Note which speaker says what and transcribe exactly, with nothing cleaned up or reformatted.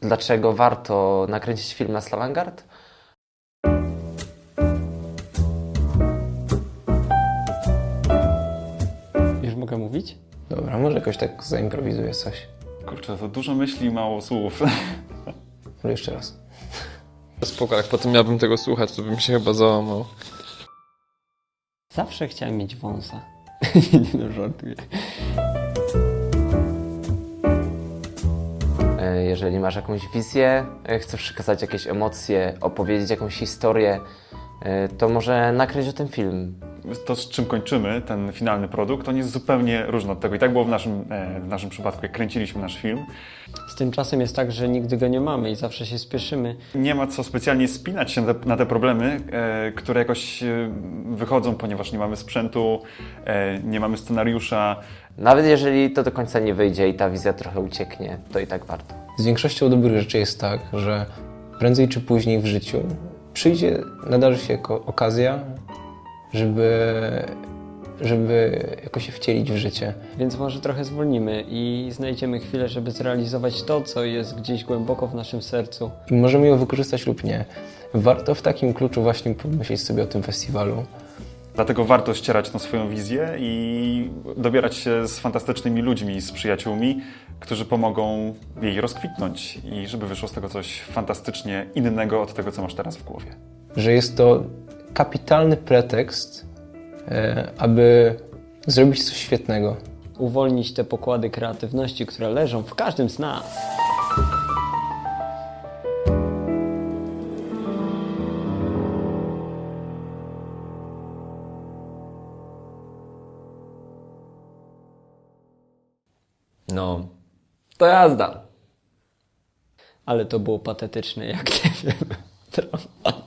Speaker 1: Dlaczego warto nakręcić film na Slavangard?
Speaker 2: Już mogę mówić?
Speaker 3: Dobra, może jakoś tak zaimprowizuję coś.
Speaker 4: Kurczę, to dużo myśli i mało słów.
Speaker 3: Ale jeszcze raz.
Speaker 5: Spoko, jak potem miałbym tego słuchać, to bym się chyba załamał.
Speaker 2: Zawsze chciałem mieć wąsa. Nie no, żartuję.
Speaker 1: E, Jeżeli masz jakąś wizję, e, chcesz przekazać jakieś emocje, opowiedzieć jakąś historię, e, to może nakręć o tym film.
Speaker 4: To, z czym kończymy ten finalny produkt, on jest zupełnie różny od tego. I tak było w naszym, e, w naszym przypadku, jak kręciliśmy nasz film.
Speaker 2: Z tym czasem jest tak, że nigdy go nie mamy i zawsze się spieszymy.
Speaker 4: Nie ma co specjalnie spinać się na te, na te problemy, e, które jakoś e, wychodzą, ponieważ nie mamy sprzętu, e, nie mamy scenariusza.
Speaker 1: Nawet jeżeli to do końca nie wyjdzie i ta wizja trochę ucieknie, to i tak warto.
Speaker 3: Z większością dobrych rzeczy jest tak, że prędzej czy później w życiu przyjdzie, nadarzy się jako okazja, żeby, żeby jakoś się wcielić w życie.
Speaker 2: Więc może trochę zwolnimy i znajdziemy chwilę, żeby zrealizować to, co jest gdzieś głęboko w naszym sercu.
Speaker 3: I możemy ją wykorzystać lub nie. Warto w takim kluczu właśnie pomyśleć sobie o tym festiwalu.
Speaker 4: Dlatego warto ścierać tą swoją wizję i dobierać się z fantastycznymi ludźmi, z przyjaciółmi, którzy pomogą jej rozkwitnąć i żeby wyszło z tego coś fantastycznie innego od tego, co masz teraz w głowie.
Speaker 3: Że jest to kapitalny pretekst, e, aby zrobić coś świetnego.
Speaker 2: Uwolnić te pokłady kreatywności, które leżą w każdym z nas.
Speaker 5: No, to jazda.
Speaker 2: Ale to było patetyczne, jak nie wiem.